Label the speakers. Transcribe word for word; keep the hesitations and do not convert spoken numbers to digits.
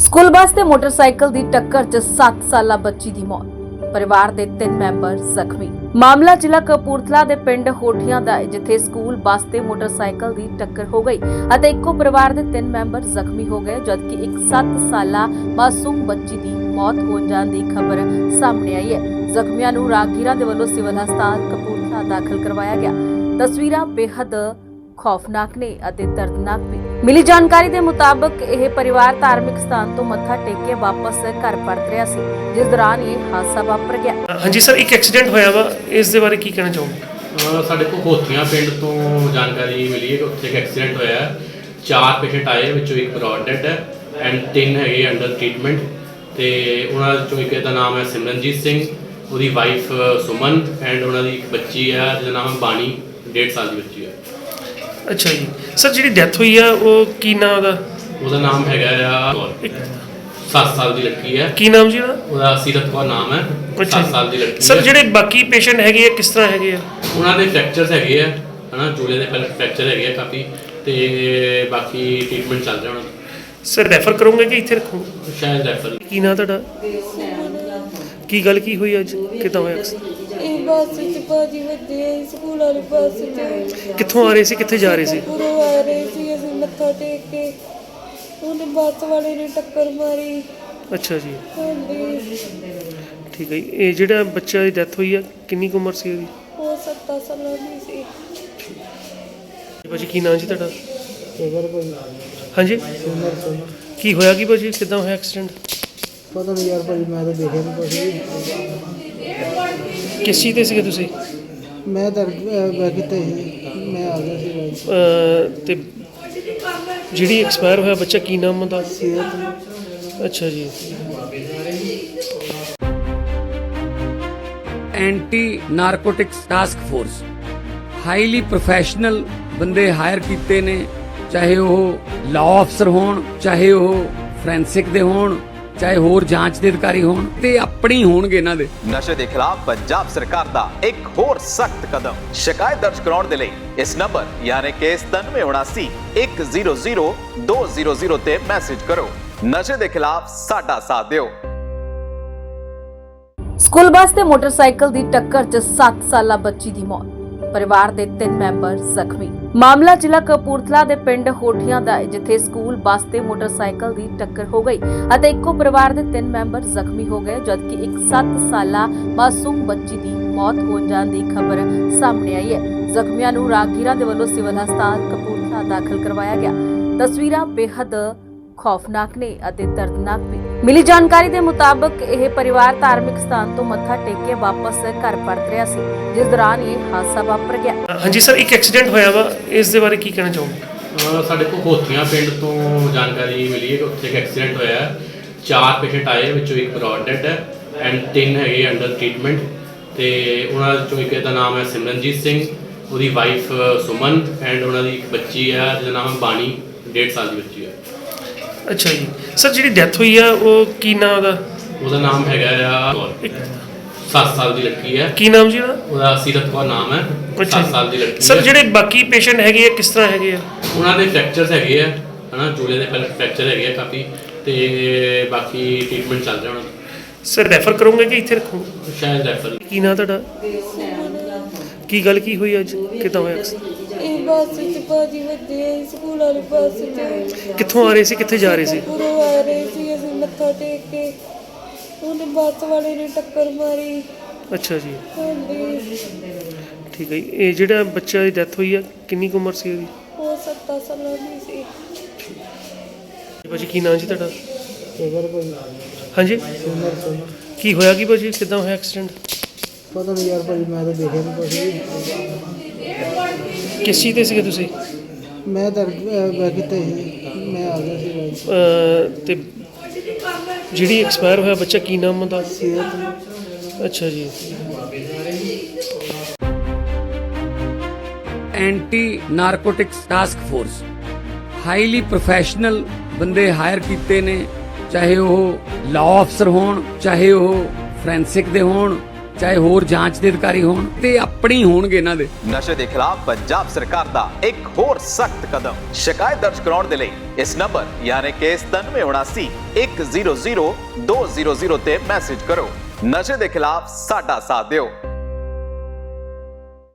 Speaker 1: School bus ਤੇ motorcycle ਦੀ ਟੱਕਰ 'ਚ ਸੱਤ ਸਾਲਾ ਬੱਚੀ ਦੀ ਮੌਤ। ਪਰਿਵਾਰ ਦੇ ਤਿੰਨ ਮੈਂਬਰ ਜ਼ਖਮੀ। ਮਾਮਲਾ ਜ਼ਿਲ੍ਹਾ ਕਪੂਰਥਲਾ ਦੇ ਪਿੰਡ ਹੋਠੀਆਂ ਦਾ ਹੈ, ਜਿੱਥੇ ਸਕੂਲ ਬੱਸ ਤੇ ਮੋਟਰਸਾਈਕਲ ਦੀ ਟੱਕਰ ਹੋ ਗਈ ਅਤੇ ਇੱਕੋ ਪਰਿਵਾਰ ਦੇ ਤਿੰਨ ਮੈਂਬਰ ਜ਼ਖਮੀ ਹੋ ਗਏ, ਜਦਕਿ ਇੱਕ ਸੱਤ ਸਾਲਾ ਮਾਸੂਮ ਬੱਚੀ ਦੀ ਮੌਤ ਹੋ ਜਾਣ ਦੀ ਖਬਰ ਸਾਹਮਣੇ ਆਈ ਹੈ। ਜ਼ਖਮੀਆਂ ਨੂੰ ਰਾਹਗੀਰਾਂ ਦੇ ਵੱਲੋਂ ਸਿਵਲ ਹਸਪਤਾਲ ਕਪੂਰਥਲਾ ਦਾਖਲ ਕਰਵਾਇਆ ਗਿਆ। ਤਸਵੀਰਾਂ ਬੇहद ਖੌਫਨਾਕ ਨੇ ਅਤੇ ਦਰਦਨਾਕ ਵੀ। ਮਿਲੀ ਜਾਣਕਾਰੀ ਦੇ ਮੁਤਾਬਕ ਇਹ ਪਰਿਵਾਰ ਧਾਰਮਿਕ ਸਥਾਨ ਤੋਂ ਮੱਥਾ ਟੇਕ ਕੇ ਵਾਪਸ ਘਰ ਪਰਤ ਰਿਹਾ ਸੀ, ਜਿਸ ਦੌਰਾਨ ਇਹ ਹਾਦਸਾ ਵਾਪਰ ਗਿਆ।
Speaker 2: ਹਾਂਜੀ ਸਰ, ਇੱਕ ਐਕਸੀਡੈਂਟ ਹੋਇਆ ਵਾ, ਇਸ ਦੇ ਬਾਰੇ ਕੀ ਕਹਿਣਾ ਚਾਹੋਗੇ?
Speaker 3: ਸਾਡੇ ਕੋਲ ਹੋਥੀਆਂ ਪਿੰਡ ਤੋਂ ਜਾਣਕਾਰੀ ਮਿਲੀ ਹੈ ਕਿ ਉੱਥੇ ਇੱਕ ਐਕਸੀਡੈਂਟ ਹੋਇਆ ਹੈ। ਚਾਰ ਪੇਸ਼ੈਂਟ ਆਏ, ਵਿੱਚੋਂ ਇੱਕ ਬਰੋਡ ਡੈਡ ਹੈ ਐਂਡ ਤਿੰਨ ਹੈਗੇ ਅੰਡਰ ਟ੍ਰੀਟਮੈਂਟ। ਤੇ ਉਹਨਾਂ ਵਿੱਚੋਂ ਇੱਕ ਦਾ ਨਾਮ ਹੈ ਸਿਮਰਨਜੀਤ ਸਿੰਘ, ਉਹਦੀ ਵਾਈਫ ਸੁਮਨ ਐਂਡ ਉਹਨਾਂ ਦੀ ਇੱਕ ਬੱਚੀ ਹੈ ਜਿਹਦਾ ਨਾਮ ਹੈ ਬਾਣੀ, ਡੇਢ ਸਾਲ ਦੀ ਬੱਚੀ ਹੈ।
Speaker 2: ਅੱਛਾ ਜੀ ਸਰ, ਜਿਹੜੀ ਡੈਥ ਹੋਈ ਆ ਉਹ ਕੀ ਨਾਮ ਉਹਦਾ?
Speaker 3: ਉਹਦਾ ਨਾਮ ਹੈਗਾ ਆ ਸੱਤ ਸਾਲ ਦੀ ਲੜਕੀ ਹੈ।
Speaker 2: ਕੀ ਨਾਮ ਜੀ ਉਹਦਾ?
Speaker 3: ਉਹਦਾ ਸੀਰਤ ਕੌਰ ਨਾਮ ਹੈ, ਸੱਤ ਸਾਲ ਦੀ ਲੜਕੀ।
Speaker 2: ਸਰ ਜਿਹੜੇ ਬਾਕੀ ਪੇਸ਼ੈਂਟ ਹੈਗੇ ਆ ਕਿਸ ਤਰ੍ਹਾਂ ਹੈਗੇ ਆ?
Speaker 3: ਉਹਨਾਂ ਦੇ ਫ੍ਰੈਕਚਰਸ ਹੈਗੇ ਆ, ਹਨਾ, ਜੋੜੇ ਦੇ ਪਹਿਲੇ ਫ੍ਰੈਕਚਰ ਹੈਗੇ ਆ ਕਾਫੀ, ਤੇ ਬਾਕੀ ਟ੍ਰੀਟਮੈਂਟ ਚੱਲ ਰਿਹਾ ਉਹਨਾਂ ਦਾ।
Speaker 2: ਸਰ ਰੈਫਰ ਕਰੋਗੇ ਕਿ ਇੱਥੇ ਰੱਖੋ?
Speaker 3: ਸ਼ਾਇਦ ਰੈਫਰ।
Speaker 2: ਕੀ ਨਾਮ ਤੁਹਾਡਾ? ਕੀ ਗੱਲ ਕੀ ਹੋਈ ਅੱਜ, ਕਿੱਦਾਂ ਹੋਇਆ?
Speaker 4: ਇਹ ਬੱਸ ਚ ਭਾਜੀ ਵੱਜੇ, ਸਕੂਲ ਵਾਲੀ ਬੱਸ ਚ।
Speaker 2: ਕਿੱਥੋਂ ਆ ਰਹੇ ਸੀ, ਕਿੱਥੇ ਜਾ ਰਹੇ ਸੀ?
Speaker 4: ਪੂਰੋਂ ਆ ਰਹੇ ਸੀ ਅਸੀਂ ਮੱਥਾ ਟੇਕ ਕੇ, ਉਹਨੇ ਬੱਸ ਵਾਲੇ ਨੇ ਟੱਕਰ ਮਾਰੀ।
Speaker 2: ਅੱਛਾ ਜੀ,
Speaker 4: ਹਾਂਜੀ।
Speaker 2: ਠੀਕ ਹੈ ਜੀ। ਇਹ ਜਿਹੜਾ ਬੱਚਾ ਦੀ ਡੈਥ ਹੋਈ ਆ ਕਿੰਨੀ ਕੁ ਉਮਰ ਸੀ ਉਹਦੀ?
Speaker 4: ਉਹ ਸੱਤਾਂ ਸਾਲਾਂ ਦੀ ਸੀ।
Speaker 2: ਭਾਜੀ ਕੀ ਨਾਮ ਜੀ ਤੁਹਾਡਾ? ਹਾਂਜੀ, ਕੀ ਹੋਇਆ ਕੀ ਭਾਜੀ, ਕਿੱਦਾਂ ਹੋਇਆ ਐਕਸੀਡੈਂਟ?
Speaker 5: ਪਤਾ ਨਹੀਂ ਯਾਰ ਭਾਜੀ, ਮੈਂ ਤਾਂ ਦੇਖਿਆ ਨਹੀਂ ਕੁਛ ਵੀ।
Speaker 2: ਕਿਸ ਚੀਜ਼ ਤੇ ਸੀਗੇ ਤੁਸੀਂ?
Speaker 5: ਮੈਂ ਤਾਂ ਬੈ ਕਿਤੇ ਮੈਂ ਆ ਗਿਆ ਸੀ ਬਾਈ।
Speaker 2: ਅਹ ਤੇ ਜਿਹੜੀ ਐਕਸਪਾਇਰ ਹੋਇਆ ਬੱਚਾ ਕੀ ਨਾਮ ਉਹਦਾ?
Speaker 5: ਸਿਹਤ।
Speaker 2: ਅੱਛਾ ਜੀ।
Speaker 6: Anti narcotics task force highly professional ਬੰਦੇ ਹਾਇਰ ਕੀਤੇ ਨੇ, ਚਾਹੇ ਉਹ ਲਾਅ ਅਫਸਰ ਹੋਣ, ਚਾਹੇ ਉਹ ਫੋਰੈਂਸਿਕ ਦੇ ਹੋਣ, ਚਾਹੇ ਹੋਰ ਜਾਂਚ ਦੇ ਅਧਿਕਾਰੀ ਹੋਣ, ਤੇ ਆਪਣੀ ਹੋਣਗੇ ਇਹਨਾਂ ਦੇ।
Speaker 7: ਨਸ਼ੇ ਦੇ ਖਿਲਾਫ ਪੰਜਾਬ ਸਰਕਾਰ ਦਾ ਇੱਕ ਹੋਰ ਸਖਤ ਕਦਮ। ਸ਼ਿਕਾਇਤ ਦਰਜ ਕਰਾਉਣ ਦੇ ਲਈ ਇਸ ਨੰਬਰ ਯਾਨੀ ਕਿ ਸਤਾਨਵੇਂ ਉਨਾਸੀ ਇੱਕ ਜ਼ੀਰੋ ਜ਼ੀਰੋ ਦੋ ਜ਼ੀਰੋ ਜ਼ੀਰੋ ਤੇ ਮੈਸੇਜ ਕਰੋ। ਨਸ਼ੇ ਦੇ ਖਿਲਾਫ ਸਾਡਾ ਸਾਥ ਦਿਓ।
Speaker 1: ਸਕੂਲ ਬੱਸ ਤੇ ਮੋਟਰਸਾਈਕਲ ਦੀ ਟੱਕਰ 'ਚ ਸੱਤ ਸਾਲਾ ਬੱਚੀ ਦੀ ਮੌਤ। ਪਰਿਵਾਰ ਦੇ ਤਿੰਨ ਮੈਂਬਰ ਜ਼ਖਮੀ। ਮਾਮਲਾ ਜ਼ਿਲ੍ਹਾ ਕਪੂਰਥਲਾ ਦੇ ਪਿੰਡ ਹੋਠੀਆਂ ਦਾ ਹੈ, ਜਿੱਥੇ ਸਕੂਲ ਬੱਸ ਤੇ ਮੋਟਰਸਾਈਕਲ ਦੀ ਟੱਕਰ ਹੋ ਗਈ ਅਤੇ ਇੱਕੋ ਪਰਿਵਾਰ ਦੇ ਤਿੰਨ ਮੈਂਬਰ ਜ਼ਖਮੀ ਹੋ ਗਏ, ਜਦਕਿ ਇੱਕ ਸੱਤ ਸਾਲਾ ਮਾਸੂਮ ਬੱਚੀ ਦੀ ਮੌਤ ਹੋ ਜਾਣ ਦੀ ਖਬਰ ਸਾਹਮਣੇ ਆਈ ਹੈ। ਜ਼ਖਮੀਆਂ ਨੂੰ ਰਾਹਗੀਰਾਂ ਦੇ ਵੱਲੋਂ ਸਿਵਲ ਹਸਪਤਾਲ ਕਪੂਰਥਲਾ ਦਾਖਲ ਕਰਵਾਇਆ ਗਿਆ। ਤਸਵੀਰਾਂ ਬੇहद ਖੌਫਨਾਕ ਨੇ ਅਤੇ ਦਰਦਨਾਕ ਵੀ। ਮਿਲੀ ਜਾਣਕਾਰੀ ਦੇ ਮੁਤਾਬਕ ਇਹ ਪਰਿਵਾਰ ਧਾਰਮਿਕ ਸਥਾਨ ਤੋਂ ਮੱਥਾ ਟੇਕ ਕੇ ਵਾਪਸ ਘਰ ਪਰਤ ਰਿਹਾ ਸੀ, ਜਿਸ ਦੌਰਾਨ ਇਹ ਹਾਦਸਾ ਵਾਪਰ ਗਿਆ।
Speaker 2: ਹਾਂਜੀ ਸਰ, ਇੱਕ ਐਕਸੀਡੈਂਟ ਹੋਇਆ ਵਾ, ਇਸ ਦੇ ਬਾਰੇ ਕੀ ਕਹਿਣਾ ਚਾਹੋਗੇ?
Speaker 3: ਸਾਡੇ ਕੋਲ ਹੋਥੀਆਂ ਪਿੰਡ ਤੋਂ ਜਾਣਕਾਰੀ ਮਿਲੀ ਹੈ ਕਿ ਉੱਥੇ ਇੱਕ ਐਕਸੀਡੈਂਟ ਹੋਇਆ ਹੈ। ਚਾਰ ਪੇਸ਼ੈਂਟ ਆਏ, ਵਿੱਚੋਂ ਇੱਕ ਬਰੋਡ ਡੈਡ ਹੈ ਐਂਡ ਤਿੰਨ ਹੈਗੇ ਅੰਡਰ ਟ੍ਰੀਟਮੈਂਟ। ਤੇ ਉਹਨਾਂ ਵਿੱਚੋਂ ਇੱਕ ਦਾ ਨਾਮ ਹੈ ਸਿਮਰਨਜੀਤ ਸਿੰਘ, ਉਹਦੀ ਵਾਈਫ ਸੁਮਨ ਐਂਡ ਉਹਨਾਂ ਦੀ ਇੱਕ ਬੱਚੀ ਹੈ ਜਿਹਦਾ ਨਾਮ ਹੈ ਬਾਣੀ, ਡੇਢ ਸਾਲ ਦੀ ਬੱਚੀ ਹੈ।
Speaker 2: ਅੱਛਾ ਜੀ ਸਰ, ਜਿਹੜੀ ਡੈਥ ਹੋਈ ਆ ਉਹ ਕੀ ਨਾਮ ਉਹਦਾ?
Speaker 3: ਉਹਦਾ ਨਾਮ ਹੈਗਾ ਆ ਸੱਤ ਸਾਲ ਦੀ ਲੜਕੀ ਹੈ।
Speaker 2: ਕੀ ਨਾਮ ਜੀ ਉਹਦਾ?
Speaker 3: ਉਹਦਾ ਸੀਰਤ ਕੌਰ ਨਾਮ ਹੈ, ਸੱਤ ਸਾਲ ਦੀ ਲੜਕੀ।
Speaker 2: ਸਰ ਜਿਹੜੇ ਬਾਕੀ ਪੇਸ਼ੈਂਟ ਹੈਗੇ ਆ ਕਿਸ ਤਰ੍ਹਾਂ ਹੈਗੇ ਆ?
Speaker 3: ਉਹਨਾਂ ਦੇ ਫ੍ਰੈਕਚਰਸ ਹੈਗੇ ਆ, ਹਨਾ, ਜੋੜੇ ਦੇ ਪਹਿਲੇ ਫ੍ਰੈਕਚਰ ਹੈਗੇ ਆ ਕਾਫੀ, ਤੇ ਬਾਕੀ ਟ੍ਰੀਟਮੈਂਟ ਚੱਲ ਰਿਹਾ ਉਹਨਾਂ ਦਾ।
Speaker 2: ਸਰ ਰੈਫਰ ਕਰੋਗੇ ਕਿ ਇੱਥੇ ਰੱਖੋ?
Speaker 3: ਸ਼ਾਇਦ ਰੈਫਰ।
Speaker 2: ਕੀ ਨਾਮ ਤੁਹਾਡਾ? ਕੀ ਗੱਲ ਕੀ ਹੋਈ ਅੱਜ, ਕਿੱਦਾਂ ਹੋਇਆ?
Speaker 4: ਇਹ ਬੱਸ ਚ ਭਾਜੀ ਵੱਜੇ, ਸਕੂਲ ਵਾਲੀ ਬੱਸ ਚ।
Speaker 2: ਕਿੱਥੋਂ ਆ ਰਹੇ ਸੀ, ਕਿੱਥੇ ਜਾ ਰਹੇ ਸੀ?
Speaker 4: ਪੂਰੋਂ ਆ ਰਹੇ ਸੀ ਅਸੀਂ ਮੱਥਾ ਟੇਕ ਕੇ, ਉਹਨੇ ਬੱਸ ਵਾਲੇ ਨੇ ਟੱਕਰ ਮਾਰੀ।
Speaker 2: ਅੱਛਾ ਜੀ,
Speaker 4: ਹਾਂਜੀ।
Speaker 2: ਠੀਕ ਹੈ ਜੀ। ਇਹ ਜਿਹੜਾ ਬੱਚਾ ਦੀ ਡੈਥ ਹੋਈ ਆ ਕਿੰਨੀ ਕੁ ਉਮਰ ਸੀ ਉਹਦੀ?
Speaker 4: ਉਹ ਸੱਤਾਂ ਸਾਲਾਂ ਦੀ ਸੀ।
Speaker 2: ਭਾਜੀ ਕੀ ਨਾਮ ਜੀ ਤੁਹਾਡਾ?
Speaker 5: ਭਾਜੀ
Speaker 2: ਹਾਂਜੀ,
Speaker 5: ਸਿਮਰ ਸਿੰਘ।
Speaker 2: ਕੀ ਹੋਇਆ ਕੀ ਭਾਜੀ, ਕਿੱਦਾਂ ਹੋਇਆ ਐਕਸੀਡੈਂਟ?
Speaker 5: ਪਤਾ ਨਹੀਂ ਯਾਰ ਭਾਜੀ, ਮੈਂ ਤਾਂ ਦੇਖਿਆ ਨਹੀਂ ਕੁਛ ਵੀ।
Speaker 2: ਕਿਸ ਚੀਜ਼ ਤੇ ਸੀਗੇ ਤੁਸੀਂ?
Speaker 5: ਮੈਂ ਤਾਂ ਬੈ ਕਿਤੇ ਮੈਂ ਆ ਗਿਆ ਸੀ ਬਾਈ।
Speaker 2: ਅਹ ਤੇ ਜਿਹੜੀ ਐਕਸਪਾਇਰ ਹੋਇਆ ਬੱਚਾ ਕੀ ਨਾਮ ਉਹਦਾ?
Speaker 5: ਸਿਹਤ।
Speaker 2: ਅੱਛਾ ਜੀ।
Speaker 6: Anti narcotics task force highly professional ਬੰਦੇ ਹਾਇਰ ਕੀਤੇ ਨੇ, ਚਾਹੇ ਉਹ ਲਾਅ ਅਫਸਰ ਹੋਣ, ਚਾਹੇ ਉਹ ਫੋਰੈਂਸਿਕ ਦੇ ਹੋਣ, ਚਾਹੇ ਹੋਰ ਜਾਂਚ ਦੇ ਅਧਿਕਾਰੀ ਹੋਣ ਤੇ ਆਪਣੇ ਹੀ ਹੋਣਗੇ ਇਹਨਾਂ ਦੇ।
Speaker 7: ਨਸ਼ੇ ਦੇ ਖਿਲਾਫ ਪੰਜਾਬ ਸਰਕਾਰ ਦਾ ਇੱਕ ਹੋਰ ਸਖਤ ਕਦਮ। ਸ਼ਿਕਾਇਤ ਦਰਜ ਕਰਾਉਣ ਦੇ ਲਈ ਇਸ ਨੰਬਰ ਯਾਨੀ ਕਿ ਸਤਾਨਵੇਂ ਉਨਾਸੀ ਇੱਕ ਜ਼ੀਰੋ ਜ਼ੀਰੋ ਦੋ ਜ਼ੀਰੋ ਜ਼ੀਰੋ ਤੇ ਮੈਸੇਜ ਕਰੋ। ਨਸ਼ੇ ਦੇ ਖਿਲਾਫ ਸਾਡਾ ਸਾਥ ਦਿਓ।